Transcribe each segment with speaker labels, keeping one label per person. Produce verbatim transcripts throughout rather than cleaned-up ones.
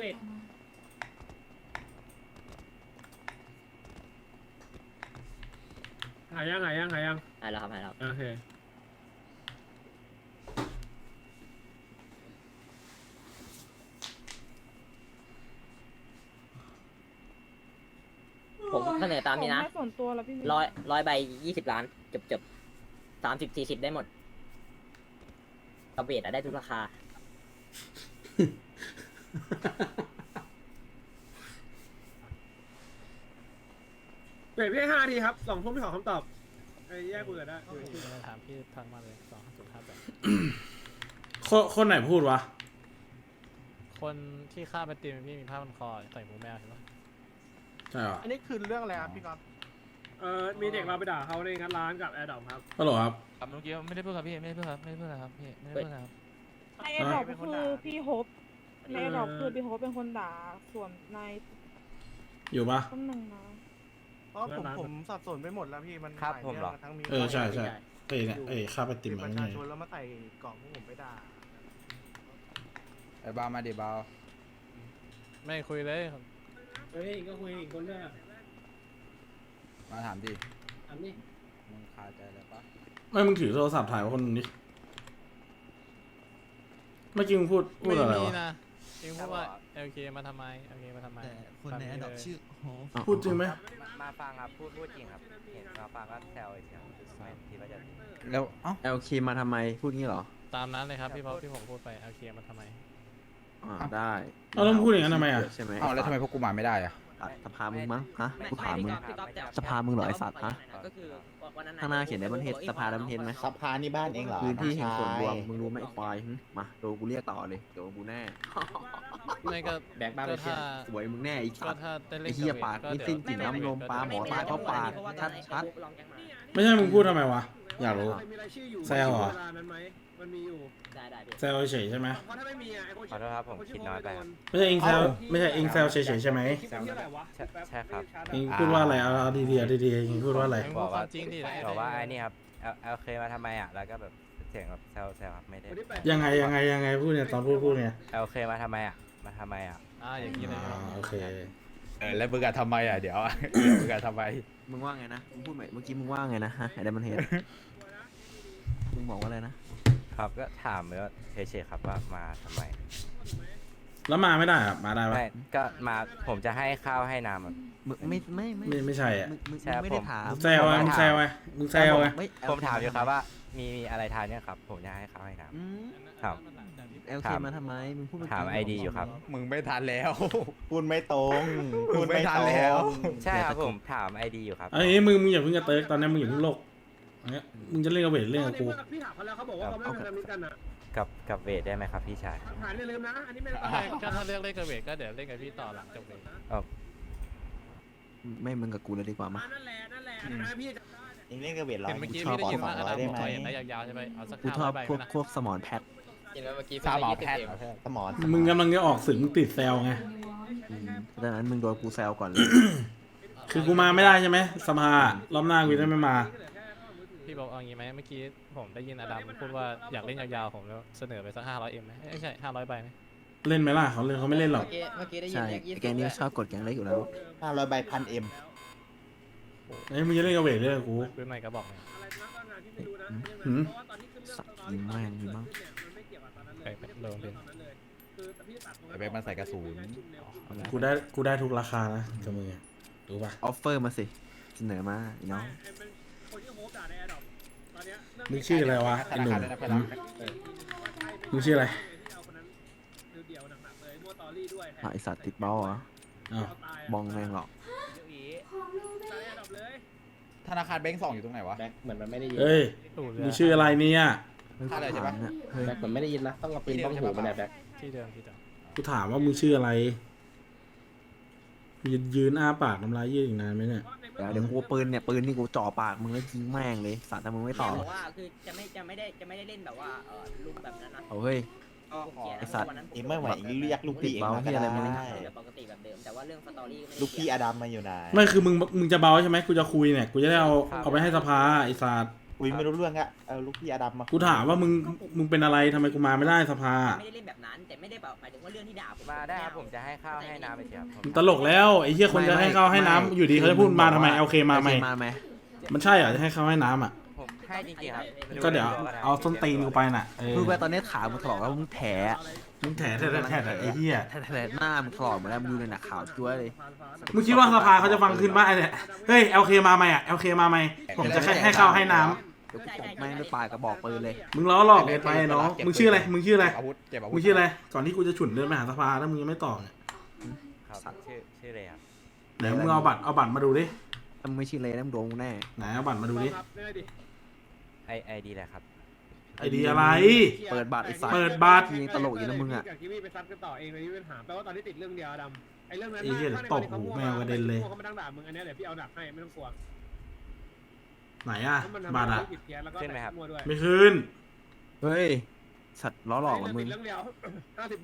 Speaker 1: เบ็ดหายยังหายยังหายยัง
Speaker 2: หายแล้วครับหายแล้ว
Speaker 1: โอเค
Speaker 2: ผมเสนอตามนี้นะ
Speaker 3: ผมให้ส่วนตัวแล้วพี่
Speaker 2: ร้อยร้อยใบยี่สิบล้านจบจบสามสิบสี่สิบได้หมดกระเบียดอะได้ทุกราคา
Speaker 1: เบ็ดพี่ห้าทีครับสองทุ่มพี่ขอคำตอบไอ้แยกคุยกันได้
Speaker 4: ถามพี่ทักมาเลยสองห้าศูนย์ห้าแปด
Speaker 5: คนคนไหนพูดวะ
Speaker 4: คนที่ฆ่าไปตีมพี่มีผ้าพันคอใส่หมูแมวใช่ปะ
Speaker 5: ใช่เหรอ
Speaker 6: อันนี้คือเรื่องอะไรครับพี่ก๊อฟ
Speaker 1: เออมีเด็กเราไปด่าเขาในงานร้านกับแอร์ดอปครับ
Speaker 5: ฮัลโหลครับ
Speaker 4: ครับเมื่อกี้ไม่ได้พูดครับพี่ไม่ได้พูดครับไม่ได้พูดครับพี่ไม่ได้พูดครับ
Speaker 3: ในแอร์ดรอปคือพี่โฮปในแอร์ดรอปคือพี่โฮปเป็นคนด่าส่วนใน
Speaker 5: อยู่ปะ
Speaker 3: ต้นหนึ่งนะ
Speaker 6: เพราะผมผมสับสนไปหมดแล้วพี่มัน
Speaker 7: ครับ
Speaker 6: หลาย
Speaker 7: ผมเหรอ
Speaker 6: เรื่องทั้งมี
Speaker 5: เออใช่ใช่เอ้ยเนี่ยเอ้ยค่าไปติม
Speaker 6: ป
Speaker 5: มัน
Speaker 6: ระ
Speaker 5: ไง
Speaker 6: ชาชนแล้วมาใส่กล่องพวกผมไปด่า
Speaker 7: ไอ้บามาดิบา
Speaker 4: ไม่คุยเลย
Speaker 1: เฮ้ยก็คุยอีกคนด้วย
Speaker 7: มาถามดิ
Speaker 1: ถามนี่
Speaker 7: มึงคาใจอะไรปะ
Speaker 5: ไม่มึงถือโทรศัพท์ถ่ายไว้คนนึงดิเมื่อกี้มึงพูดพูดอะไร
Speaker 4: ไม่มี
Speaker 5: วะ
Speaker 4: นะเองพูดว่า แอล เค มาทำไม แอล เค มาทำไม
Speaker 8: แต่คนในอันดับชื่อโฮป
Speaker 5: พูดจริงไหม
Speaker 7: มาฟังครับพูดพูดจริงครับเห็นมาฟังก็แซวเฉยไม่คิดว่าจะ
Speaker 8: แล้วเอ้า
Speaker 9: เอลเคมาทำไมพูดงี้เหรอ
Speaker 4: ตามนั้นเลยครับพี่พอที่ผมพูดไป แอล เค มาทำไม
Speaker 9: อ่าได้
Speaker 5: เอาแล้วมึงพูดอย่างนั้นทำไมอ่ะ
Speaker 9: ใช่ไหม
Speaker 7: อ้าวแล้วทำไมพวกกูมาไม่ได้อะ
Speaker 9: อ่ะสภามึงมั้งฮะ
Speaker 2: ไม่
Speaker 9: กูถามมึง
Speaker 2: พี่ก๊อฟพี่ก๊อฟแต่
Speaker 9: สภามึงเหรอไอ้สัตว์ฮะ
Speaker 2: ก็คือวันนั้น
Speaker 9: ข้างหน้าเขียน Diamond Head สภา Diamond Head ไหม
Speaker 8: สภานี่บ้านเองเหรอ
Speaker 9: พื้นที่แห่งส่วนรวม
Speaker 8: น้องชาย
Speaker 9: มึงรู้ไหมไอ้ควายหึมาโดนกูเรียกต่อเลยเดี๋ยวกูแน่
Speaker 4: ไม่ก็
Speaker 9: แบกบ้านไป
Speaker 4: ก็
Speaker 9: เชีย
Speaker 4: ถ้า
Speaker 9: สวยมึงแน่ไอ้
Speaker 4: ก็
Speaker 9: สัตว์
Speaker 4: ถ้าได้เล่
Speaker 9: ไอ้
Speaker 4: น
Speaker 9: เหี้ย
Speaker 4: กับ
Speaker 9: ปาก
Speaker 4: เว
Speaker 9: ไม่
Speaker 4: ท
Speaker 9: สิ้น
Speaker 4: ก็
Speaker 9: กลิ่น
Speaker 4: เดี๋ยว
Speaker 9: น้ำนมปลาหมอตายเพราะปาก ชัดชัด
Speaker 5: ไม่ใช่มึงพูดทำไมวะอยากรู้
Speaker 1: ใครมีรายชื่ออยู่
Speaker 5: แซวเหรอ
Speaker 1: เวลานั้นไหมมันมีอยู่
Speaker 2: ได้ได้พี่
Speaker 5: แซวเฉยๆใช่ไหม
Speaker 1: เพราะถ้าไม่มีอ่ะไอ้คน
Speaker 7: ขอโทษครับผมคิดน้อยไปครับ
Speaker 5: ไม่ใช่เองแซวไม่ใช่เองแซวเฉยๆใช่ไหม
Speaker 1: คลิปมันชื่ออะไรวะ
Speaker 7: ใช่ใช่ครับ
Speaker 5: เองพูดว่าอะไรเอาเอาดีๆเอาดีๆเองพูดว่าอะไร
Speaker 4: เองพูดความจริงดิ
Speaker 7: บอกว่าไอ้นี่ครับเอลเคมาทำไมอ่ะแล้วก็แบบเสียงแบบแซวแซวครับไม่ได้
Speaker 1: คนที่แปด
Speaker 5: ยังไงยังไงยังไงพูดเนี่ยตอนพูดพูดเนี่ย
Speaker 7: เอลเคมาทำไมอ่ะมาทำไมอ่ะ
Speaker 4: อ่าอย่างนี้เลย
Speaker 5: อ่าโอเค
Speaker 7: เออแล้วมึงอะทำไมอ่ะเดี๋ยวมึงอะทำไม
Speaker 9: มึงว่าไงนะมึงพูดใหม่เมื่อกี้มึงว่าไงนะฮะไอ้ไดมันเฮดมึงบอกว่าอะไรนะครับ
Speaker 7: ก็ถามเลยว่าเฉยๆครับว่ามาทำไม
Speaker 5: แล้วมาไม่ได้อะมาได้ปะ
Speaker 7: ไม่ก็มาผมจะให้ข้าวให้น้ำอะ
Speaker 9: มึงไม่ไม่ไม่
Speaker 5: ไม่ไม่ใช่อ่ะ
Speaker 9: มึงมึง
Speaker 7: ใช่
Speaker 9: มึงไม่ได้
Speaker 7: ผม
Speaker 9: ถาม
Speaker 5: มึงแซวไงมึงแซวไงมึงแซวไง
Speaker 9: ไม่
Speaker 7: ผมถามอยู่ครับว่ามีมีอะไรทานเนี่ยครับผมจะให้ข้าวให้น้ำ
Speaker 9: อืม
Speaker 7: ครับ
Speaker 9: เอลเค
Speaker 7: ถาม
Speaker 9: มาทำไมมึงพูด
Speaker 7: ถามไอดีอยู่ครับ มึงไม่ทันแล้ว
Speaker 8: พูดไม่ตรง
Speaker 7: พูดไม่ทันแล้ว
Speaker 8: พูดไม่ตรง
Speaker 7: ใช่ครับผมถามไอดีอยู่ครับ
Speaker 5: อันนี้มึงมึงอย่าเพิ่งกระเติร์กตอนนี้มึงอย่าเพิ่งโลกอันเนี้ยมึงจะเล่นกับเวทเล่นกับกู
Speaker 1: พี่ถามเขาแล้วเขาบอกว่าเขาไม่เป็นพันธมิตรกันอ่ะ
Speaker 7: กับกับเวทได้ไหมครับพี่ชาย
Speaker 1: ฐานอย่าลืมนะอันนี้ไม่ได้
Speaker 4: ไม่ก็ถ้าเลือกเล่นกับเวทก็เดี๋ยวเล่นกับพี่ต่อหลังจบเลย
Speaker 9: ไม่มึงกับกูเลยดีกว่ามา
Speaker 1: นั่นแหละนั่นแหละอันนั้นพี่จำได้
Speaker 8: เองเล่นกับเวทร้อย
Speaker 4: เห็นเมื่อกี้
Speaker 8: ชอบ
Speaker 4: พี่ได้
Speaker 8: ขอ
Speaker 4: ยิน
Speaker 8: สอ
Speaker 4: ว่าง อ
Speaker 8: ร้อ
Speaker 4: ดาย
Speaker 8: ได้
Speaker 4: ม
Speaker 8: ไหม
Speaker 4: ขอเห็นได้ยาวๆใช่ไหมเอาสัก
Speaker 9: กู
Speaker 4: ห้า
Speaker 9: ช
Speaker 4: ร้
Speaker 9: อ
Speaker 4: อบ ยใบ
Speaker 9: พวก
Speaker 4: นะ
Speaker 9: พวกสมอนแพท
Speaker 8: สามหมอแพทย์สมอน
Speaker 5: มึงกำลังจะออกสื่อมึงติดแซวไง
Speaker 9: อืมดังนั้นมึงโดนกูแซวก่อนเลย
Speaker 5: คือกูมาไม่ได้ใช่ไหมสภารอบหน้ากูจะไม่มา
Speaker 4: พี่บอกเอางี้ไหมเมื่อกี้ผมได้ยินอดัมพูดว่าอยากเล่นยาวๆผมแล้วเสนอไปสักห้าร้อยเอ็มไหมไม่ใช่ห้าร้อยใบไหม
Speaker 5: เล่นไหมล่ะเขาเล่นเขาไม่เล่นหรอก
Speaker 2: เมื่อกี้ได้ยิน
Speaker 9: ใช่ไอ้แกงนี้ชอบกดแกงเล็กอยู่แล้ว
Speaker 8: ห้าร้อยใบพันเอ็ม
Speaker 5: ไอ้ยมึงจะเล่นกับเวทเล่นกับกู
Speaker 4: ปืนใหม่ก็บอกเลย
Speaker 5: หืม
Speaker 9: สักยิงแม่งยิงมั้ง
Speaker 4: ไปไปโดนเป็น
Speaker 7: ไอเบคมันใส่กระสุน
Speaker 5: กูได้กูได้ทุกราคานะกับมึงอะรู้ป่ะ
Speaker 9: ออฟเฟอร์มาสิเสนอมาไอ้น้อง
Speaker 5: มึงชื่ออะไรวะไอ้หนุ่มหืมมึงชื่ออะไร
Speaker 9: อ่ะไอสัตว์ติดเบ้าเหรอ
Speaker 5: อ้าว
Speaker 9: บองแม่งหรอก
Speaker 7: ธนาคารแบงก์สองอยู่ตรงไหนวะ
Speaker 8: แบ็คเหมือนมันไม่ได้ยิน
Speaker 5: เอ้ย
Speaker 4: ตู่เรื
Speaker 5: มึ
Speaker 4: อง
Speaker 5: ชื่ออะไรเนี่ย
Speaker 7: ท่าอะไรใช่ปะ
Speaker 9: เนี่ยเฮ้ย
Speaker 8: แบ็คเหมือนไม่ได้ยินนะต้องเอาปืนบ้องหูมาเนี่ยแบ็ค
Speaker 4: ที่เดิมที่เดิม
Speaker 5: กูถามว่ามึงชื่ออะไรยืนยืนอ้าปากน้ำลายยืดอีกนานไหมเนี่ย
Speaker 9: เดี๋ยวเดี๋ยวกูเอาปืนเนี่ยปืนนี่กูจ่อปากมึงแล้วยิงแม่งเลยสัตว์ถ้ามึงไม่ตอบ
Speaker 2: บอกว่าคือจะไม่จะไม่ได้จะไม่ได้เล่นแบบว่าเออลุมแบบนั้นนะ
Speaker 9: เอาเฮ้ย ไอ้สัตว์
Speaker 8: เองไม่ไหวเองเรียกลูกพี่เองมาก็
Speaker 9: เบาที่อะไรมึง
Speaker 8: ได้
Speaker 2: แบบปกติแบบเดิมแต่ว่าเรื่องสตอรี่ไม่ได้
Speaker 8: ลูกพี่อดัมมาอยู่ไหน
Speaker 5: ไม่คือมึงมึงจะเบาใช่ไหมกูจะคุยเนี่ยกูจะได้เอาเอาไปให้สภาไอ้สัตว์
Speaker 2: ก
Speaker 8: คุยไม่รู้เรื่องอะเอาลูกพี่อดัมมา
Speaker 5: กูถามว่ามึงมึงเป็นอะไรทำไมกูมาไม่ได้สภา
Speaker 2: ไม่ได้เล่นแบบนั้น แต่ไม่ได้แบบหมายถึงว่าเรื่องที่ด่าผม
Speaker 7: มาได้ครับผมจะให้ข้าวให้น้ำไปเฉยครับผม
Speaker 5: มึงตลกแล้วไอ้เหี้ยคนจะให้ข้าวให้น้ำอยู่ดีเขาจะพูดมาทำไมโอเคมาไหม
Speaker 9: มาไหม
Speaker 5: มันใช่เหรอจะให้ข้าวให้น้ำอ่ะ
Speaker 7: ผมให้จริงๆครับ
Speaker 5: ก็เดี๋ยวเอาส้นตีนกูไปน่ะเออ
Speaker 9: คือไปตอนนี้ขามึงถลอกแล้วมึงแผล
Speaker 5: มึงแถแถแถแถไอ้เหี้ย
Speaker 9: แถลหน้ามึงถลอกหมดแล้วมึงดูในหนักขาวจ้วยเลย
Speaker 5: มึงคิดว่าสภาเขาจะฟังขึ้นบ้างไอ้เนี่ยเฮ้ยโอเคมาไหมอ่ะโอเคมาไหมผมจะให้ให้ข้าวให้น้ำ
Speaker 9: เดี๋ยวกูตบแม่งด้วยปลายกระบอกปืนเลย
Speaker 5: มึงล้อหลอกเกินไปน้องมึงชื่ออะไรมึงชื่ออะไร
Speaker 8: อาวุธเก็บอาวุธ
Speaker 5: มึงชื่ออะไรก่อนที่กูจะฉุนเดินไปหาสภาแล้วมึงยังไม่ตอบเนี่ย
Speaker 7: ครับชื่อชื่ออะไรครับ
Speaker 5: เดี๋ยวมึงเอาบัตรเอาบัตรมาดูดิ
Speaker 9: ถ้ามึงไม่ชินเลยนะมึงโดนกูแน่
Speaker 5: ไหนเอาบัตรมาดูดิ
Speaker 1: ครับได้ดิ
Speaker 7: ไอไอดีแหละครับ
Speaker 5: ไอดีอะไร
Speaker 9: เปิดบัตรไอ้สัส
Speaker 5: เปิดบัตร
Speaker 9: ยิงตลกอยู่นะมึงอะ
Speaker 1: กับทีวีไปซัดกันต่อเองเลยที่เป็นหาแปลว่าตอนนี้ติดเรื่องเดียวดำไอ้เรื่องนั้น
Speaker 5: ไอ้เหี้ย
Speaker 1: ถ้าใน
Speaker 5: ตบหูแมวกระเด็นเลย
Speaker 1: เขามาดังด่ามึงอันเนี้ยเดี๋ยวพี่เอาดักให้ไม่ต้องกลัว
Speaker 5: ไหนอ่ะ
Speaker 1: เพราะมันทำ
Speaker 5: บัตร
Speaker 1: ให้
Speaker 5: อ่ะ
Speaker 1: ผิดเพี้ยนแล้วก็
Speaker 7: ขึ้นไหมครับ
Speaker 1: มั่วด้วย
Speaker 5: ไม่คืน
Speaker 9: เฮ้ยสัตว์ล้อหลอกเหรอมึ
Speaker 1: ติ
Speaker 9: ง
Speaker 1: ดเรื่องเดียว ห้าสิบใบ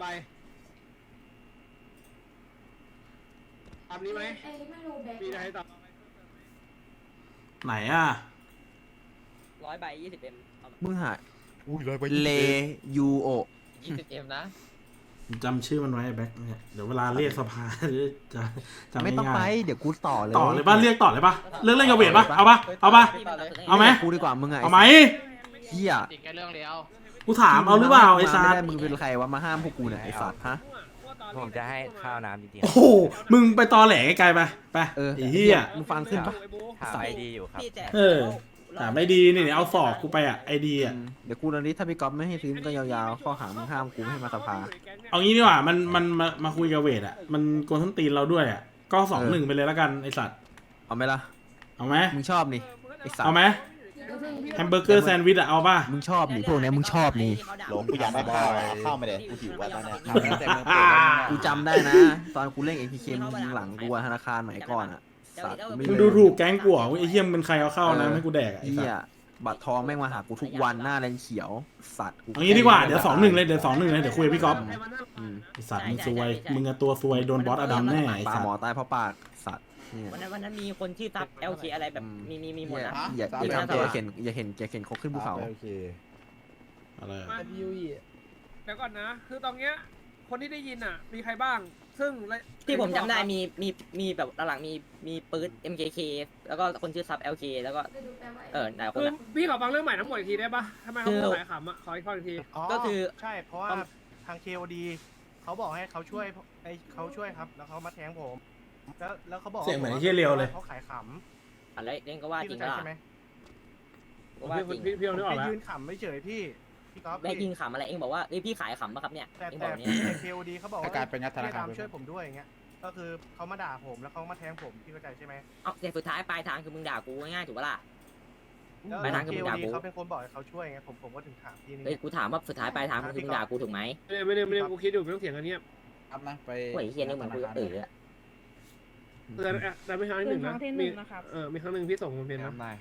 Speaker 1: ตามนี้ไหมมีอะไรให้ตอบ
Speaker 5: ไหนอ่ะ
Speaker 2: ร้อยใบยี่สิบเอ็ม
Speaker 9: มึงหา
Speaker 8: อุ้ยเลยไป
Speaker 9: เลยูโอ
Speaker 2: ยี่สิบเอ็มนะ
Speaker 5: จำชื่อมันไว้ไอ้แบ็คเนี่ยเดี๋ยวเวลาเรียกสภา จะจำ
Speaker 9: ไม่ต้องไป
Speaker 5: ง่าย
Speaker 9: เดี๋ยวกูต่อเลย
Speaker 5: ๆต่อเลยป่ะเรียกต่อเลยป่ะเลิกเล่นกับเวทป่ะเอาป่ะเอาป่ะ เอาไหม
Speaker 9: กูดีกว่ามึงอะ
Speaker 5: เอาไหม
Speaker 9: เฮีย
Speaker 4: ติดแค่เรื่องเดียว
Speaker 5: กูถามเอาหรือเปล่าไอ้ซา
Speaker 9: ไม่
Speaker 5: ด
Speaker 9: ได้มึงเป็นใครวะมาห้ามพวกกูเนี่ยไอ้สัตว์ฮะ
Speaker 7: ผมจะให้ข้าวน้ำจริงๆค
Speaker 5: โอ้
Speaker 7: รับ
Speaker 5: โหมึงไปตอแหลไกลๆไปไป
Speaker 9: เออ
Speaker 5: ไอ้เหี้ย
Speaker 9: มึงฟังขึ้นปะ
Speaker 7: ถามไอดีอยู่ครับ
Speaker 5: เออ แต่ไม่ดีนี่เอาศอกกูไปอ่ะไอดีอ่ะ
Speaker 9: อืมเดี๋ยวกูตอนนี้ถ้าพี่ก๊อฟไม่ให้ซื้อมึงก็ยาวๆข้อหามึงห้ามกูไม่ให้มาสภา
Speaker 5: เอางี้ดีกว่ามันมันมามาคุยกับเวทอ่ะมันโกนส้นตีนเราด้วยอ่ะก็สองหนึ่งไปเลยแล้วกันไอสัตว์
Speaker 9: เอาไหมล่ะ
Speaker 5: เอาไหม
Speaker 9: มึงชอบนี่ไอ้สัต
Speaker 5: เอา
Speaker 9: ว์
Speaker 5: ไหมแฮมเบอร์เกอร์แซนด์วิชอ่ะเอาป่ะ
Speaker 9: มึงชอบนี่พวกเนี้ยมึงชอบนี่
Speaker 8: หลงกูอยากได้ข้าวอะข้าวมาเดี๋ยวกูหิวอะตอนเนี้ย
Speaker 9: กูจำได้นะ ตอนกูเล่นเอพีเคมึงยิงหลังกูอะธนาคารสมัยก่อนอะสัตว์กูไม่
Speaker 5: มึง
Speaker 9: เล
Speaker 5: ดู
Speaker 9: ย
Speaker 5: ถูกแก๊งกูเหรอไอ้เหี้ยมงเป็นใครเอาเข้านะให้กูแดกอะไอ้
Speaker 9: เฮี
Speaker 5: สัต
Speaker 9: ย
Speaker 5: ว์
Speaker 9: บัตรทองแม่งมาหากูทุกวันหน้าแรงเขียวสัตว์กู
Speaker 5: เอางี้ดีกว่าเดี๋ยวสองหนึ่งเลยเดี๋ยวสองหนึ่งเลยเดี๋ยวคุยกับพี่ก๊อฟ
Speaker 9: อืม
Speaker 5: ไอสัตว์มึงซวยมึงอะตัวซวยโดนบอสอดัมแน่ไอ
Speaker 9: ปลา
Speaker 5: สัต
Speaker 9: หมอ
Speaker 5: ว์
Speaker 9: ตายเพราะปากสัตว์เนี่ย
Speaker 2: วันนั้นวันนั้นมีคนชื่อซับ แอล เค อะไรแบบมีมีมีหมดนะ
Speaker 9: อย่าอย่าทำอย่าเห็นอย่าเห็นอย่าเห็นเขาขึ้นภูเขา
Speaker 8: โอเค
Speaker 5: อะไรอะ
Speaker 1: มาเดี๋ยวก่อนนะ คือตอนเนี้ยคนที่ได้ยินอ่ะ มีใครบ้าง ซึ่งและ
Speaker 2: ที่ผมจำได้มีมีมีแบบหลังๆมีมีปืน เอ็ม เค เค แล้วก็คนชื่อซับ แอล เค แล้วก็เออหลายคน
Speaker 1: คือ
Speaker 2: อะ
Speaker 1: พี่ขอฟังเรื่องใหม่ทั้งหมดอีกทีได้ปะทำไมเขา
Speaker 2: คือ
Speaker 1: พูดหลายขำอ่ะ ขออีกข้ออีกที
Speaker 2: ก็คือ
Speaker 6: ใช่เพราะว่าทาง เค โอ ดี เขาบอกให้เขาช่วยไอเขาช่วยครับ แล้วเขามาแทงผม แล้วแล้วเขาบอก
Speaker 5: เสียงเหมือนไอ้เหี้ยเรียวเลย
Speaker 6: เขาขายข
Speaker 2: อะไรเล่นก็ว่า
Speaker 6: ำ
Speaker 2: จริ
Speaker 6: พี่
Speaker 2: ง
Speaker 6: เข้าใจ
Speaker 2: ก็
Speaker 6: ใช่ไหม
Speaker 2: ก็ว่าจริง
Speaker 1: พี่พี่ลองนึกออก
Speaker 6: ไป
Speaker 1: แล้ว
Speaker 6: ยืนขำไม่เฉยพี่พี่ก๊อฟ
Speaker 2: ได้
Speaker 6: พี่
Speaker 2: ยินขำอะไรเองบอกว่าเอ้ยพี่ขายขำปะครับเนี่ย
Speaker 6: แต่
Speaker 2: เองบ
Speaker 6: แต่
Speaker 2: อกเนี่ย
Speaker 6: แต่ เค โอ ดี เขาบอกว่า
Speaker 8: อาการเป็นงัดธนาคาร
Speaker 6: พี่ดำช่วยผมด้วยอย่างเงี้ย ก็คือเขามาด่าผมแล้วเขามาแทงผมพี่เข้าใจใช่ไหม
Speaker 2: เอาแต่สุดท้ายปลายทางคือมึงด่ากูง่ายๆถูกปะล่ะ
Speaker 6: แล้ว
Speaker 2: ไปทางคือ
Speaker 6: เค
Speaker 2: มึ
Speaker 6: โอง
Speaker 2: ด่า
Speaker 6: ดี
Speaker 2: กู
Speaker 6: เขาเป็นคนบอกให้เขาช่วยไงผมผมก็ถึงถามพี่นี่
Speaker 2: เอ้ยกูถามว่าสุดท้ายปลายทางคือมึงด่ากูถูกไหม
Speaker 1: ไม่ได้ไม่ได้ไม่ได้กูคิดอยู่ไม่ต้องเสียงอันเนี้ย
Speaker 8: ครับนะไป
Speaker 2: โอ้ยเฮียนี่เหมือนกูจะตื่นอะ
Speaker 1: เตือนอ่ะแต่ไม่ครั้งที่หนึ่ง
Speaker 3: ครั้
Speaker 1: นะ
Speaker 3: งที่ห
Speaker 1: มี
Speaker 3: นึ่งนะครับ
Speaker 1: เออมีครั้งหนึ่งพี่ส่งมันเป็นนะ
Speaker 8: ทำนาย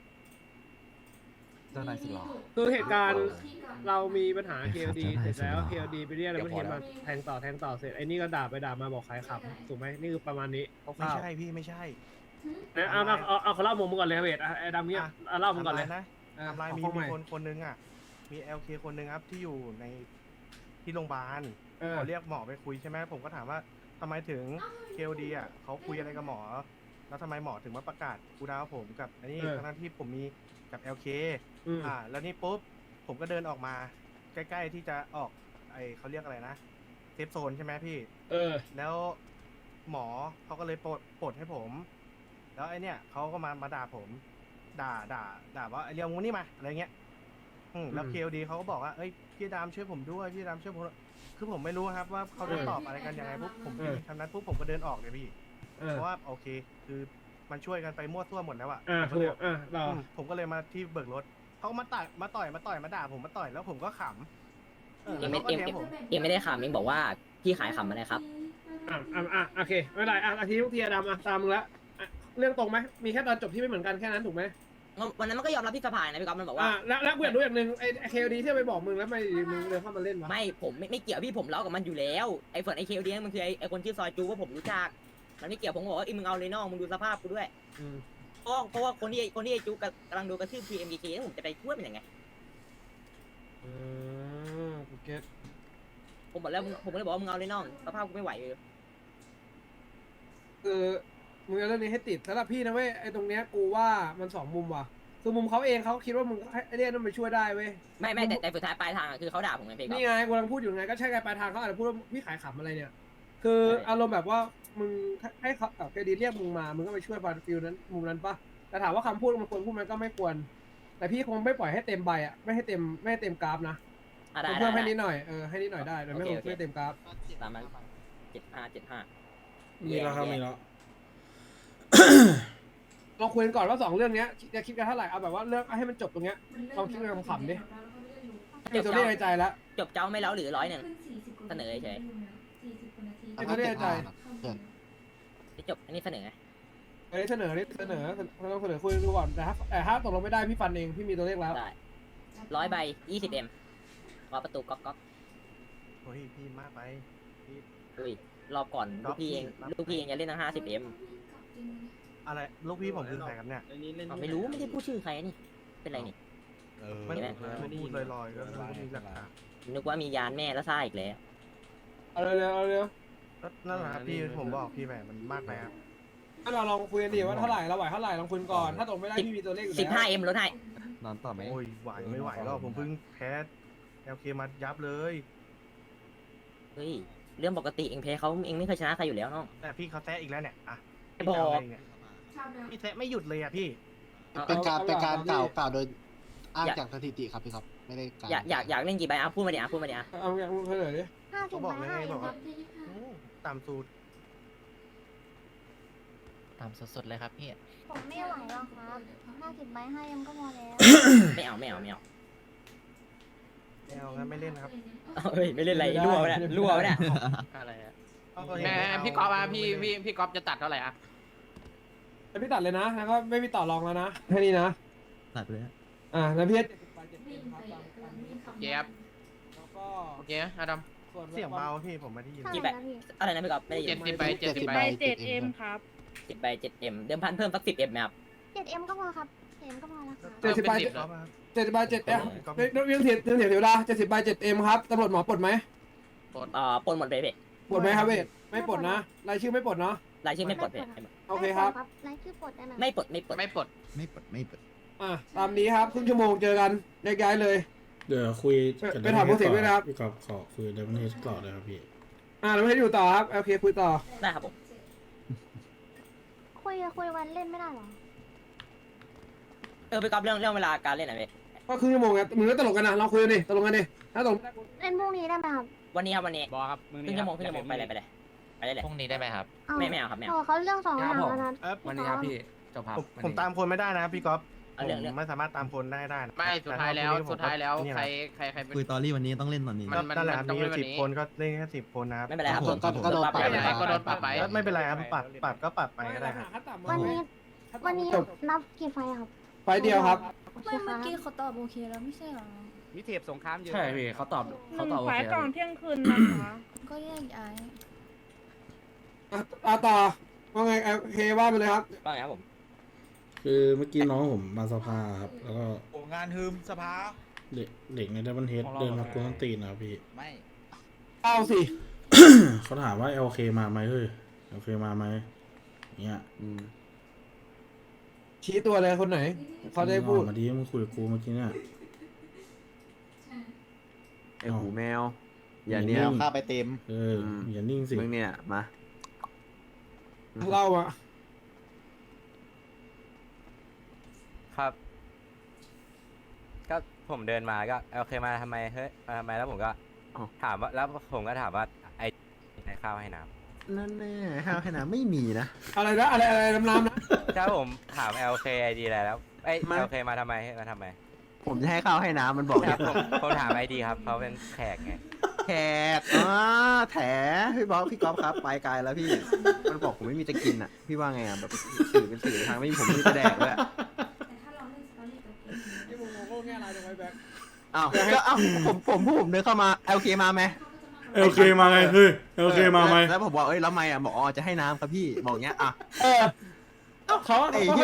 Speaker 8: เจ้านายสิหรอ
Speaker 1: คือเหตุการณ์เรามีปัญหา เค โอ ดี เสร็จแล้ว เค โอ ดี ไปเรียกแล้วมันเห็นมาแทงต่อแทงต่อเสร็จไอ้นี่ก็ด่าไปด่ามาบอกขายขับถูกไหมนี่คือประมาณนี้ค
Speaker 6: ไม่
Speaker 1: ร่าว
Speaker 6: ใช่พี่ไม่ใช่
Speaker 1: ๆนะเอาเอาเอาเอาเขาเล่ามุมมึงก่อนเลยเวทอ่ะไอ้ดำเนี้ยเอาเล่ามึงก่อนเลย
Speaker 6: ทำร้ายนะ
Speaker 1: อ่ะ
Speaker 6: ทำลาย
Speaker 1: เอา
Speaker 6: มี
Speaker 1: ข้อให
Speaker 6: มี
Speaker 1: ม่
Speaker 6: คนคนนึงอ่ะ มี แอล เค คนนึงครับที่อยู่ในที่โรงพยาบาล
Speaker 1: เออ
Speaker 6: เขาเรียกหมอไปคุยใช่ไหมผมก็ถามว่าทำไมถึง เค โอ ดี อ่ะเขาคุยอะไรกับหมอ แล้วทำไมหมอถึงมาประกาศกูดาวผมกับอันนี้ทั้งที่ผมมีกับ แอล เค
Speaker 1: อืม
Speaker 6: อ่า แล้วนี่ปุ๊บผมก็เดินออกมา ใกล้ๆที่จะออกไอเขาเรียกอะไรนะเซฟโซนใช่ไหมพี่
Speaker 1: เออ
Speaker 6: แล้วหมอเขาก็เลยปลดปลดให้ผม แล้วไอเนี่ยเขาก็มามาด่าผม ด่าด่าด่าว่าไอเรียวงูนี่มาอะไรเงี้ยอืมแล้ว
Speaker 1: อืม
Speaker 6: เค โอ ดีเขาก็บอกว่าเอ้ยพี่ดามช่วยผมด้วยพี่ดามช่วยผมด้วยคือผมไม่รู้ครับว่าเขาจะ
Speaker 1: เออ
Speaker 6: ตอบอะไรกันยังไงปุ๊บผม
Speaker 1: เออ
Speaker 6: ทำนั้นปุ๊บผมก็เดินออกเลยพี่
Speaker 1: เออ
Speaker 6: เพราะว่าโอเค คือมันช่วยกันไปมั่วซั่วหมดแล้วอะ
Speaker 1: อ่า
Speaker 6: ผมก็
Speaker 1: ถู
Speaker 6: เลย
Speaker 1: กอ่าเรา
Speaker 6: อืมผมก็เลยมาที่เบิกรถเขาก็มาต่อยมาต่อยมาต่อยมาด่าผมมาต่อยแล้วผมก็ขำเออ
Speaker 2: เอ็
Speaker 6: แล้ว
Speaker 2: ม
Speaker 6: เขาก็
Speaker 2: เอ็ม
Speaker 6: แทง
Speaker 2: เอ็ม
Speaker 6: ผม
Speaker 2: เอ็มไม่ได้ขำเอ็มบอกว่าพี่ขายขำอะไรครับ
Speaker 1: อ่าอ่าอ่าโอเคไม่เป็นไรอ่ะอาทิตย์ทุกทีอะดำอ่ะตามมึงละอ่ะเรื่องตรงไหมมีแค่ตอนจบที่ไม่เหมือนกันแค่นั้นถูกไหม
Speaker 2: วันนั้นมันก็ยอมรับที่สภานะพี่ก๊อฟมันบอกว่า
Speaker 1: อ่าแล้วแล้วกูอยากรู้อย่างหนึ่งไอ้เค โอ ดี ที่ไปบอกมึงแล้วไม่มึงเดินเข้ามาเล่นวะ
Speaker 2: ไม่ผมไม่ไม่เกี่ยวพี่ผมเล่ากับมันอยู่แล้วไอ้ส่วนไอ้เคลเดียมันคือไอ้ไอ้คนชื่อซอยจูว่าผมรู้จักมันไม่เกี่ยวผมบอกว่าไอ้มึงเอาเลยน้องมึงดูสภาพกูด้วย
Speaker 1: อืม
Speaker 2: เพราะว่าเพราะว่าคนที่คนที่ไอจุกกำลังโดนกระทืบ ที เอ็ม ดี เค แล้วผมจะไปช่วยเป็นยังไง
Speaker 1: อืมกูเก็ต
Speaker 2: ผมบอกแล้วมึงผมเลยบอกว่ามึงเอาเลยน้องสภาพกูไม่ไหวเลย
Speaker 1: คือมึงเอาเรื่องนี้ให้ติดสำหรับพี่นะเว้ยไอ้ตรงเนี้ยกูว่ามันสองมุมว่ะคือมุมเขาเองเขาคิดว่ามึงไอ้เรื่องนั้นมันช่วยได้เว้ย
Speaker 2: ไม่ไม่แต่แต่สุดท้ายปลายทางอะคือเขาด่าผมไงพี่ก๊อฟ
Speaker 1: นี่ไงกูกำลังพูดอยู่ไงก็ใช่ไงปลายทางเขาอาจจะพูดว่าพี่ขายขำอะไรเนี่ย คืออารมณ์แบบว่ามึงให้เขาแบบเครดิตเรียกมึงมามึงก็ไปช่วยบาร์ฟิลนั้นมุมนั้นปะแต่ถามว่าคำพูดมันควรพูดมันก็ไม่ควร แต่พี่คงไม่ปล่อยให้เต็มใบอ่ะไม่ให้เต็มไม่ให้เต็มกราฟนะ
Speaker 2: อ่ะได้
Speaker 1: เพิ่ม
Speaker 2: ได้
Speaker 1: ให้นิ
Speaker 2: ได้
Speaker 1: ดหน่อยเออให้นิดหน่อยได้แต่ไม่
Speaker 2: โอเค
Speaker 1: คง
Speaker 2: โอเค
Speaker 1: ไม่เต็มกราฟ
Speaker 2: ตามนั้นเจ็ดห้าเจ็ดห้า
Speaker 5: มีแล้วครับมีแล้ว
Speaker 1: ลองคุยกันก่อนว่าสองเรื่องเนี้ยจะคิดกันเท่าไหร่เอาแบบว่าเรื่องให้มันจบตรงเนี้ยลองคิดกันขำๆดิมีตัวเลขในใจแล้ว
Speaker 2: จบเจ้าไม่แล้วหรือร้อยหนึ่งเสนอเฉย
Speaker 1: มีตัวเลขในใจ
Speaker 2: ไม่จบอันนี้เสนอไง
Speaker 1: เอ้ยเสนอดิเสนอเราต้องเสนอคุยกันดูก่อนแต่ถ้าแต่ถ้าตกลงไม่ได้พี่ฟันเองพี่มีตัวเลขแล้ว
Speaker 2: ได้ร้อยใบยี่สิบเอ็มรอประตูก๊อกก๊อก
Speaker 6: โอ้ยพี่มากไปพี่
Speaker 2: อุ้ยรอบก่อนลูกพี่เองลูกพี่เองจะเล่นทั้งห้าสิบเอ็ม
Speaker 6: อะไรลูกพี่ผมคือใครครับเนี่ย
Speaker 2: ไม่รู้ไม่ได้พูดชื่อใครนี่เป็นไรนี่
Speaker 8: เออ
Speaker 6: ไม่
Speaker 2: เห็นไหม
Speaker 6: ไม่พูดลอยๆก็ไม่รู้มีหลักฐาน
Speaker 2: นึกว่ามียานแม่แล้วซ่าอีกแล้ว
Speaker 1: เอาเร็วๆเอาเร็ว
Speaker 6: ก็นั่นแหละครับพี่ผมบอกพี่ไปมันมากไปครับ
Speaker 1: ถ้าเราลองคุยกันดีว่าเท่าไหร่เราไหวเท่าไหร่ลองคุยก่อนถ้าตกไม่ได้พี่มีตัวเลขอยู่
Speaker 2: สิบ
Speaker 1: แล้
Speaker 2: ห้าว เอ็มลดให้
Speaker 9: นอนต่อไหม
Speaker 6: โอ้ยไหวไม่ไหวหรอกผมเพิ่งแพ้เอลเคมายับเลย
Speaker 2: เฮ้ยเรื่องปกติเองแพ้เขาเองไม่เคยชนะใครอยู่แล้วน้อง
Speaker 6: แต่พี่เขาแซะอีกแล้วเนี่ยอ่ะ
Speaker 2: ไม่บอก
Speaker 6: พี่จะเาไงเนี่ยพี่แซะไม่หยุดเลยอ่ะพี่
Speaker 8: เป็นการเป็นการกล่าวกล่าวโดยอ้างจากสถิติครับพี่ครับไม่ได้การ
Speaker 2: อยากอยากอยากเล่นกี่ใบอ่ะพูดมาดิอ่ะพูดมาดิอ่ะ
Speaker 1: เอาอย่างมึงเสนอดิ
Speaker 10: ห้าสิ
Speaker 6: เขา
Speaker 10: บ
Speaker 6: บอก
Speaker 10: ใบ
Speaker 6: เลย
Speaker 10: ให้
Speaker 6: ไงบอก
Speaker 10: ครั
Speaker 6: ว่า
Speaker 10: บ
Speaker 6: โอ้ตามสูตร
Speaker 4: ตามสดๆเลยครับพี่
Speaker 10: ผมไม่ไหวหรอกครับห้าสิบใบให้ยังก็พอแล้ว
Speaker 2: ไม่เอาไม่เอาไม่เอา
Speaker 6: ไม่เอางั้นไม่เล่นนะครับ
Speaker 2: เฮ้ยไม่เล่นอะไรรั่ววะเนี่ยรั่ววะเนี่ย
Speaker 4: อะไรอะ
Speaker 6: เอาตัวเอง
Speaker 4: แม่
Speaker 6: ไม่เา
Speaker 4: พี่ก๊อฟอะพี่พี่พี่ก๊อฟจะตัดเท่าไหร่อะ
Speaker 1: แต่พี่ตัดเลยนะแล้วก็ไม่มีต่อรองแล้วนะแค่นี้นะ
Speaker 9: ตัดไปเลยฮะ
Speaker 1: อ่าแล้วพี่ให้เจ็ดสิบไปเจ็ดสิบครับตามตามนี้
Speaker 4: เจี๊ยบ
Speaker 1: แล้วก็
Speaker 4: โอเคอดัม
Speaker 1: ส่วน
Speaker 6: เสียงเบาพี่ผมไม่ได้ยิน
Speaker 10: เท่าไหร่นะพี่
Speaker 2: อะไรนะพี่ก๊อฟไม่ได้ยิ
Speaker 4: เจ็ด
Speaker 2: น
Speaker 4: สิบใบเจ็ดสิบใบ
Speaker 3: ใบเจ็ดเอ็มครับ
Speaker 2: สิบใบเจ็ดเอ็มเดิมพันเพิ่มสักสิบเอ็มไหมครับ
Speaker 10: เจ็ดเอ็มก็พอครับเจ็ดเอ็มก็พอแล้วครับ
Speaker 1: เจ็ดสิบใบ
Speaker 4: เป็นสิบ
Speaker 6: ก๊อฟครับ
Speaker 1: เจ็ดสิบใบเจ็ดเอ็มเรื่องเถียงเรื่องเถียงเดี๋ยวดาเจ็ดสิบใบเจ็ดเอ็มครับตำรวจหมอปลดไหม
Speaker 2: อ่าปนหมดไปเพ่
Speaker 1: ปลดไหมครับเวทไม่ปลดนะรายชื่อไม่ปลดเนาะ
Speaker 2: รายชื่อไม่ปลดเพ่
Speaker 1: โอเคครับ
Speaker 10: รายชื่อปลดได้ไหม
Speaker 2: ไม่ปลดไม่ปลด
Speaker 4: ไม่ปลด
Speaker 9: ไม่ปลดไม่ปลด
Speaker 1: อ่ะตามนี้ครับครึ่งชั่วโมงเจอกันแยกย้ายเลย
Speaker 5: เดี๋ยวคุยกับ
Speaker 1: ไปถามผู้เสียด้วยนะครับ
Speaker 5: พี่กอล์ฟขอคุยเดวินเฮดต่อเลยครับพี่
Speaker 1: อ่าเราไม่ให้อยู่ต่อครับโอเคคุยต่อ
Speaker 2: ได้ครับผม
Speaker 10: คุยคุยวันเล่นไม่ได้หรอ
Speaker 2: เออพี่ก๊อฟเรื่องเรื่องเวลาการเล่นหน่อยเพ่
Speaker 1: ก็ครึ่งชั่วโมงไงมึงก็ตลกกันนะลองคุยกันดิตลกกันดิถ้าตลก
Speaker 10: เล่นพรุ่งนี้ได้ไหมครับ
Speaker 2: วันนี้ครับวันนี้
Speaker 4: บอครับมึง
Speaker 2: ครึ่งชั่วโมงครึ่งชั่วโมงไปเลยไปเลยไปเลยเลย
Speaker 4: พรุ่งนี้ได้ไหมครับ
Speaker 10: เอา
Speaker 2: ไม่ไม่เอาครับไม่เอา
Speaker 10: โอ้เขาเรื่องสองอย่างแล้วนะ
Speaker 6: เออ
Speaker 10: วันนี้ครับพี่
Speaker 4: จบครับ
Speaker 6: ผมผมตามคนไม่ได้นะพี่ก๊อฟ
Speaker 2: เอาเรื่องเรื่อง
Speaker 6: ผมไม่สามารถตามคนได้ได้นะ
Speaker 4: ไม่สุดท้ายแล้ว
Speaker 6: ต่ถ้
Speaker 4: สุดท้ายแล้ว
Speaker 6: พรุ่งนี้ผม
Speaker 4: ใคร
Speaker 6: ก็
Speaker 4: ใครใครเป็น
Speaker 9: คุยตอรี่วันนี้ต้องเล่นตอนนี้
Speaker 4: มัน
Speaker 6: นั่นแหละครับ
Speaker 4: ต้อง
Speaker 6: มี
Speaker 4: เล่นวัน
Speaker 6: สิบ
Speaker 4: นี้
Speaker 6: คนก็เล่นแค่สิบคนนะครับ
Speaker 2: ไม่เป็นไรครับ
Speaker 8: ก็ก็โดนปรับ
Speaker 2: ป
Speaker 4: ไม่เป็นไรก็โดนปรับไป
Speaker 6: ก็ไม่เป็นไรครับปรับปรับก็ปรับไปก็ได้ครับ
Speaker 10: วันนี้วันนี้นับกี่ไฟครับ
Speaker 1: ไฟเดียวครับ
Speaker 10: โอเค
Speaker 11: ไม่
Speaker 10: ค
Speaker 11: เมื่อ
Speaker 10: รับ
Speaker 11: กี้เขาตอบโอเคแล้วไม่ใช่เหรอ
Speaker 4: มีเทปสงครามเยอะ
Speaker 7: ใช่พี่เขาตอบ
Speaker 3: ห
Speaker 7: เขา
Speaker 3: นึ่ง
Speaker 7: ตอบโอ
Speaker 3: ไฟ
Speaker 7: เค
Speaker 3: ก่อนเที่ยงคืนนะคะ
Speaker 11: ก็แยกย้าย
Speaker 1: อ่ะอ่ะต่อว่าไงโอเคว่าไปเลยครับ
Speaker 2: ว่าไงครับผม
Speaker 5: คือเมื่อกี้น้องผมมาสภาครับ แล้วก็
Speaker 8: โอ้งานฮืมสภา
Speaker 5: เด็กเด็กในเดวินเฮดเดินมากวนตีนนะครับพี่
Speaker 8: ไม่
Speaker 1: เอาสิ
Speaker 5: เขาถามว่า เอล เค มาไหมเฮ้ย เอล เค มาไหมเนี่ย
Speaker 9: อืม
Speaker 1: ชี้ตัวเลยคนไหนเขาได้พูด
Speaker 5: มึงออกมาดีมึงคุยกับกูเมื่อกี้เนี่ย
Speaker 9: ไอ้หูแมว อย่าเนี้ย
Speaker 8: เอาค่าไปเต็ม
Speaker 5: เอออย่านิ่งสิ
Speaker 9: มึงเนี่ยมา
Speaker 1: เล่าอะ
Speaker 7: ครับ ก็ผมเดินมาก็โอเคมาทำไมเฮ้ยมาทำไมแล้วผมก็
Speaker 9: อ้าว
Speaker 7: ถามว่าแล้วผมก็ถามว่าไอ้ให้ข้าวให้น้ำ
Speaker 9: นั่นแน่ห้าวขนาดไม่มีนะ
Speaker 1: อะไรนะอะไรอะไรน้ำๆนะ
Speaker 7: ถ้าผมถาม แอล เค ไอ ดี อะไรแล้วไอ้
Speaker 9: มา
Speaker 7: แอล เค มาทำไมมาทำไม
Speaker 9: ผมจะให้ข้าวให้น้ำมันบอก
Speaker 7: ค
Speaker 9: เนี่
Speaker 7: รับ
Speaker 9: ย
Speaker 7: ผมผมถามไอดีครับเขาเป็นแขกไง
Speaker 9: แขกอ่าแถพี่บ๊อบพี่ก๊อฟครับไปไกลแล้วพี่ มันบอกผมไม่มีจะกินอ่ะ พี่ว่าไงอ่ะแบบสื่อเป็นสื่อทางไม่มีผมไม่มีจะแดกด้วย
Speaker 1: ที่มึงโง่แง่อะไรตรงไว้แบ็ค
Speaker 9: อ้าวก็อ้าวผมผมผู้ผมเดินเข้ามาโอเคมาไหม
Speaker 5: เอล เค มาไงเฮ้ย เอล เค มาไหม
Speaker 9: แล้วผมบอกเอ้ยแล้วไม่อ่ะบอกอ๋อจะให้น้ำครับพี่บอกเงี้ยอ่ะ
Speaker 1: เออเขา
Speaker 9: ไอ้เหี้ยกู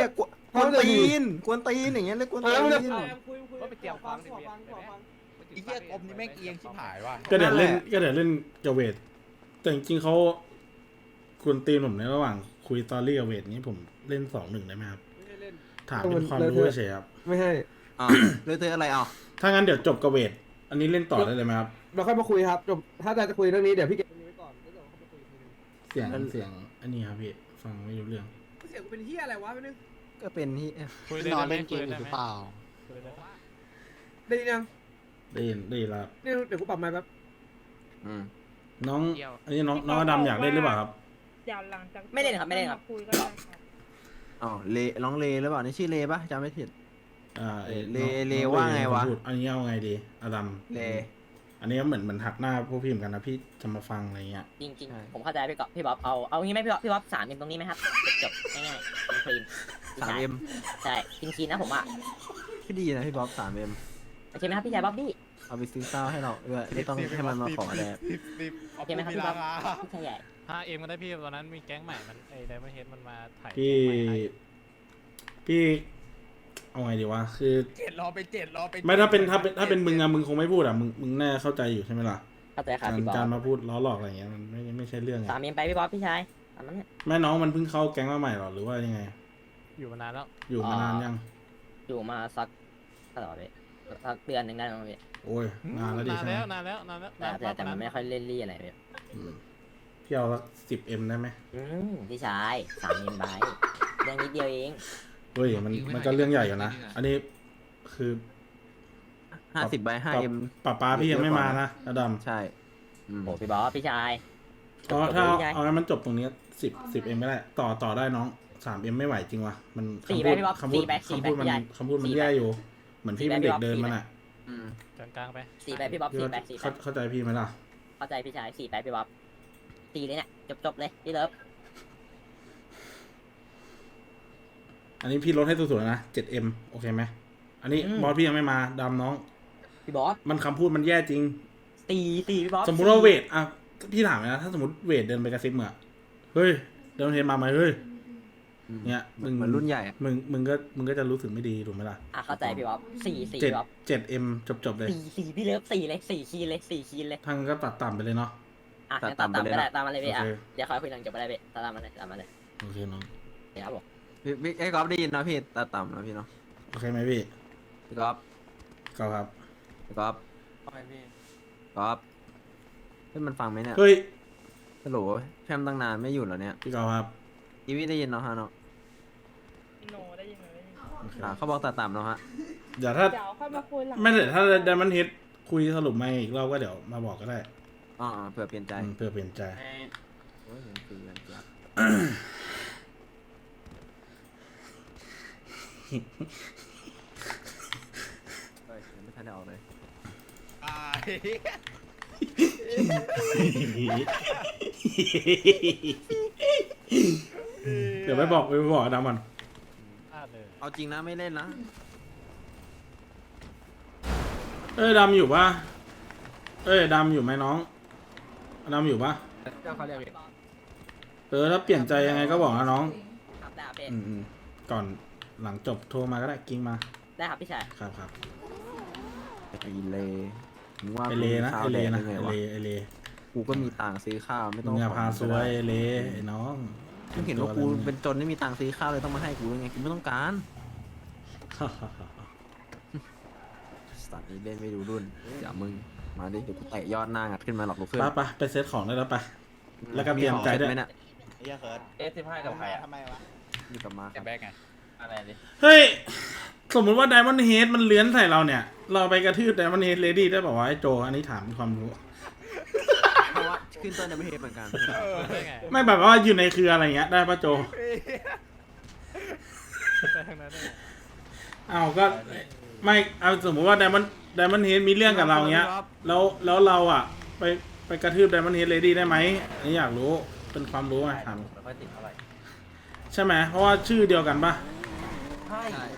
Speaker 9: กวนตีนกวนตีนอย่างเงี้ยเรียกกวน
Speaker 1: เอ
Speaker 9: ตี
Speaker 1: อมันจะ
Speaker 9: น
Speaker 1: คุยคุย
Speaker 4: ว่าไปเกี่ยวฟังดิ
Speaker 1: ขอฟังขอฟัง
Speaker 12: ไอ้เหี้ยกลมนี่แม่งเอียงชิบหายว่ะ
Speaker 5: ก็เดี๋ยวเล่นก็เดี๋ยวเล่นกับเวทแต่จริงๆเขาควรตีนผมในระหว่างคุยตอรี่กับเวทนี้ผมเล่นสองหนึ่งได้ไหมครับ
Speaker 1: ไม่ได้เล่น
Speaker 5: ถามเป็นความรู้เฉยๆครับ
Speaker 1: ไม่ให้
Speaker 9: อ่าเลยเธออะไรเอา
Speaker 5: ถ้างั้นเดี๋ยวจบกับเวทอันนี้เล่นต่อได้เลยไหมครับ
Speaker 1: เราค่อยมาคุยครับจบถ้าจะคุยเรื่องนี้เดี๋ยวพี่เก็บตรงนี้ไว้ก่อนแล้วเดี๋ยวเราค่อยมาคุยอีกทีนึง
Speaker 5: เสียงเสียงอันนี้ครับพี่ฟังไม่รู้เรื่อง
Speaker 1: เสียงกูเป็นเฮียอะไรวะไม่นึง
Speaker 9: ก็เป็นที่
Speaker 4: คุยได้
Speaker 8: นอน
Speaker 4: ไหม
Speaker 8: เล่นเก
Speaker 4: คุย
Speaker 8: มอ
Speaker 4: ได้
Speaker 8: ยู่ห
Speaker 4: ไหม
Speaker 8: รือเปล่า
Speaker 4: คุยได้ไหม
Speaker 1: ได้ยินยัง
Speaker 5: ได้ยินได้ยินแล้ว
Speaker 1: เนี่ยเดี๋ยวกูปรับไมค์แป๊บ
Speaker 9: อืม
Speaker 5: น้องอันนี้น้องน้องอดัมอยากเล่นหรือเปล่าครับ
Speaker 3: เดี๋ยวหลังจาก
Speaker 2: ไม่เล่นครับไม่เล่นครับ
Speaker 3: าคุยก็ได้ครับ
Speaker 9: อ๋อเลน้องเลหรือเปล่านี่ชื่อเลปะจำไม่ผิด
Speaker 5: อ่าไอ้
Speaker 9: เล
Speaker 5: น้อง
Speaker 9: เล
Speaker 5: น้อง
Speaker 9: ว่าไงวะ
Speaker 5: พูดอันนี้เอาไงดีอดัม
Speaker 9: เล
Speaker 5: อันนี้เหมือนเหมือนหักหน้าพวกพี่เหมือนกันนะพี่จะมาฟังอะไรเงี้ย
Speaker 2: จริง
Speaker 9: ใช่
Speaker 2: ๆ ผมเข้าใจพี่ก๊อฟพี่บ๊อบเอาเอางี้ไหมพี่บ๊อบพี่บ๊อบสามเอ็มตรงนี้ไหมครับจบๆง่ายๆคลีนๆ
Speaker 9: สามเอ็ม
Speaker 2: ใช่คลีนๆนะผมอ่ะ
Speaker 9: พี่ดีนะพี่บ๊อบสามเอ็ม
Speaker 2: โอเคไหมครับพี่ชายบ๊อบบี้
Speaker 9: เอาไปซื้อข้าวให้เราด้วยไม่ต้องให้มันมาขอแดด
Speaker 12: สิบสิบ
Speaker 2: โอเคไหมครับพี่บ๊อบพี่ชายใหญ่
Speaker 4: ห้าเอ็มก็ได้พี่วันนั้นมีแก๊งใหม่มันไอ้ไดมอนด์เฮดมันมาถ่าย
Speaker 5: พี่
Speaker 4: แก๊งใหม่ให้
Speaker 5: พี่เอาไงดีวะคือ
Speaker 12: เจ็ดรอไปเจ็ดรอไป
Speaker 5: ไม่ถ้าเป็นถ้าเป็นถ้าเป็นมึงอะมึงคงไม่พูดอะมึงมึงแน่เข้าใจอยู่ใช่ไหมล่ะ
Speaker 2: เข้าใจครับ
Speaker 5: การ
Speaker 2: พี่บ๊อบ
Speaker 5: การมาพูดล้อหลอกอะไรเงี้ยมันไม่ไม่ใช่เรื่องไง
Speaker 2: สามเอ็มไปพี่บ๊อบพี่ชายตามนั้นเนี่ย
Speaker 5: แม่น้องมันเพิ่งเข้าแก๊งมาใหม่หรอหรือว่ายังไง
Speaker 4: อยู่มานานแล้ว
Speaker 5: อยู่มานานยัง
Speaker 2: อยู่มาสักตลอดเลยสักเดือนหนึ่งได้มั้งพี่
Speaker 5: โอ้ยนานแล้วดิ
Speaker 4: นาน
Speaker 5: ใช่ไหม
Speaker 4: แล้วนานแล้วนานแล้ว
Speaker 2: แต่
Speaker 4: นาน
Speaker 2: แต่แต่มันไม่
Speaker 4: แล้ว
Speaker 2: ค่อยเล่นรี่อะไรพี่
Speaker 5: อืมพี่เอาสักสิบเอ็มได้ไหม
Speaker 2: อืมพี่ชายสามเอ็มไปเรื่องนิดเดียวเอง
Speaker 5: เฮ้ยมันมันก็เรื่องใหญ่อยู่นะอันนี้คือ
Speaker 9: ห้าสิบใบห้าเอ็ม
Speaker 5: ป้าป้าพี่ยังไม่มานะอดัม
Speaker 9: ใช่อืม
Speaker 2: โอ้พี่บ๊อบพี่ชาย
Speaker 5: เพราะถ้าเอา
Speaker 2: พี่ชาย
Speaker 5: เอาให้มันจบตรงนี้สิบสิบเอ็มไม่ได้ต่อต่อได้น้องสามเอ็มไม่ไหวจริงวะมัน
Speaker 2: สี่
Speaker 5: คำ
Speaker 2: ไป
Speaker 5: พูด
Speaker 2: พี่บ๊อบ
Speaker 5: คำพูด
Speaker 2: สี่ไปสี่
Speaker 5: คำพูด
Speaker 2: ไป
Speaker 5: มัน
Speaker 2: พี่ใหญ่
Speaker 5: คำพูดมัน
Speaker 2: สี่ไป
Speaker 5: แย่อยู่ เหมือนพี่เป็นเด็กเดินมันอ่ะ
Speaker 9: อืม
Speaker 4: กลางๆไป
Speaker 2: สี่ไปพี่บ๊อบ
Speaker 5: พี่
Speaker 2: สี่
Speaker 5: ว่า
Speaker 2: ไปสี่ไป
Speaker 5: เข้าเข้าใจพี่ไหมล่ะ
Speaker 2: เข้าใจพี่ชายสี่ไปพี่บ๊อบสี่เลยเนี่ยจบจบๆเลยพี่เลิฟ
Speaker 5: อันนี้พี่ลดให้สุดๆนะเจ็ดเอ็มโอเคไหมอันนี้บอสพี่ยังไม่มาดำน้อง
Speaker 2: พี่บ๊อบ
Speaker 5: มันคำพูดมันแย่จริง
Speaker 2: สี่สี่พี่บ๊อบ
Speaker 5: สมมุติว่าเวทอ่ะพี่ถามเลยนะถ้าสมมติเวทเดินไปกระซิบมึงอะเฮ้ยเดินเทนมาไหมเฮ้ย
Speaker 9: อืม
Speaker 5: เนี่ยมึง
Speaker 9: เหมือนรุ่นใหญ่อะ
Speaker 5: มึงมึงก็มึงก็จะรู้สึกไม่ดีถูกไหมล่ะ
Speaker 2: อ่ะเข้าใจพี่บ๊อบสี่สี่
Speaker 5: เจ็ด
Speaker 2: พี่บ๊อบ
Speaker 5: เจ็ดเอ็มจบจบๆเลย
Speaker 2: สี่สี่พี่เลิฟสี่เลยสี่คีย์เลยสี่คีย์เลย
Speaker 5: ทางก็ตัดต่ำไปเลยเนาะ
Speaker 2: อ่ะงั้นตามตามก็ได้ตามมาเลยพี่อ่ะ
Speaker 5: โอเค
Speaker 2: เดี๋ยวคอยคุยหลังจบไปได้พี่ตามมาเลยตามมาเลย
Speaker 5: โอเคน้อง
Speaker 2: เดี๋ยวครับผม
Speaker 9: พี่พี่ไอ้ก๊อฟได้ยินนะพี่ตาต่ำนะพี่เนาะ
Speaker 5: โอเคไหมพี่
Speaker 9: พี่ก๊อฟ
Speaker 5: ก็ครับ
Speaker 9: พี่ก๊อฟก๊อฟเฮ้ยมันฟังไหมเนี่ย
Speaker 5: เฮ้ย
Speaker 9: ฮัลโหลแพมตั้งนานไม่อยู่เหรอเนี่ย
Speaker 5: พี่กอล์ฟครับ
Speaker 9: อีวิได้ยินเนาะฮะเนาะ
Speaker 3: โนได้ยินไหมได้ยิน
Speaker 5: โอเค
Speaker 9: อ่าเขาบอกตาต่ำเนาะฮะ
Speaker 5: เดี๋ยวถ้า
Speaker 3: เดี๋ยวค่อยมาคุยหลัง
Speaker 5: ไม่แต่ถ้าไดมันเฮดคุยสรุปมาอีกรอบก็เดี๋ยวมาบอกก็ได้
Speaker 9: อ๋ออ๋อเผื่อเปลี่ยนใจ
Speaker 5: อืมเพื่อเปลี่ยนใจ
Speaker 9: โอ้ยเห็นสีกันจ้ะเฮ้ยยังไม่ทันได้ออกเลย
Speaker 12: ตาย
Speaker 5: เดี๋ยวไปบอกไปบอกดำมัน
Speaker 4: พลาดเลย
Speaker 9: เอาจริงนะไม่เล่นนะ
Speaker 5: เอ้ยดำอยู่ปะเอ้ยดำอยู่ไหมน้องดำอยู่ปะ
Speaker 2: เจ้าเขาเรียกพี่
Speaker 5: เออถ้าเปลี่ยนใจยังไงก็บอกนะน้อง
Speaker 2: ครับได้ครับพี่
Speaker 5: อืมอืมก่อนหลังจบโทรมาก็ได้กิ้งมา
Speaker 2: ได้ครับพี่ชาย
Speaker 5: ครับครับ
Speaker 9: ไอเลมึงว่า
Speaker 5: ไอเลนะ
Speaker 9: กู
Speaker 5: ไอ
Speaker 9: มี
Speaker 5: เล
Speaker 9: ข้าวแดก
Speaker 5: นะ
Speaker 9: ได้ไง
Speaker 5: ไอ
Speaker 9: วะ
Speaker 5: เลไอเล
Speaker 9: กูก็มีตังค์ซื้อข้าวไม่ต้
Speaker 5: มึ
Speaker 9: อง
Speaker 5: งอย่า
Speaker 9: ข
Speaker 5: พา
Speaker 9: มึง
Speaker 5: ซ
Speaker 9: ก็
Speaker 5: ว
Speaker 9: ได้
Speaker 5: ยไอเลไอ้น้อง
Speaker 9: มึงเห็นว่ากูเป็นจนไม่มีตังค์ซื้อข้าวเลยต้องมาให้กูยังไงกูไม่ต้องการสัตว์นี้เล่นไม่ดูรุ่นเดี๋ยวมึงมาดิเดี๋ยวกูเตะยอดหน้างัดขึ้นมาหรอกลูกเพื่อน
Speaker 5: ไปไปไปเซตของได้แล้วไป แล้วก็เตรียมใจด้วย
Speaker 9: ไหมเนี่ย
Speaker 12: ไอ้เหี้ยเคิร์ด
Speaker 7: เอสสิบห้ากับใครอ่ะ
Speaker 12: ทำไมวะ
Speaker 9: อยู่กับมาค
Speaker 12: แต่
Speaker 9: รับ
Speaker 12: แบกไง
Speaker 7: อะไรดิ
Speaker 5: เฮ้ย สมมุติว่าไดมอนด์เฮดมันเลื้อนใส่เราเนี่ย เราไปกระทืบไดมอนด์เฮดเลดี้ได้ป่าวะไอ้โจ อันนี้ถามเป็นความรู้
Speaker 9: เพราะว่าขึ้นต้นในประเทศเหมือนกัน
Speaker 4: ได้ไง
Speaker 5: ไม่แบบว่าอยู่ในเครืออะไรเงี้ยได้ป่ะโจ
Speaker 4: ไปทางนั้นได้ไง
Speaker 5: เอาก็ไม่เอาสมมติว่าไดมอนด์ไดมอนด์เฮดมีเรื่องกับเราเงี้ย แล้วแล้วเราอ่ะ ไปไปกระทืบไดมอนด์เฮดเลดี้ได้ไหมอันนี้อยากรู้เป็นความรู้ไงถาม
Speaker 7: ไม่ค่อยติดเท่าไหร่
Speaker 5: ใช่ไหมเพราะว่าชื่อเดียวกันป่ะ
Speaker 7: ใช่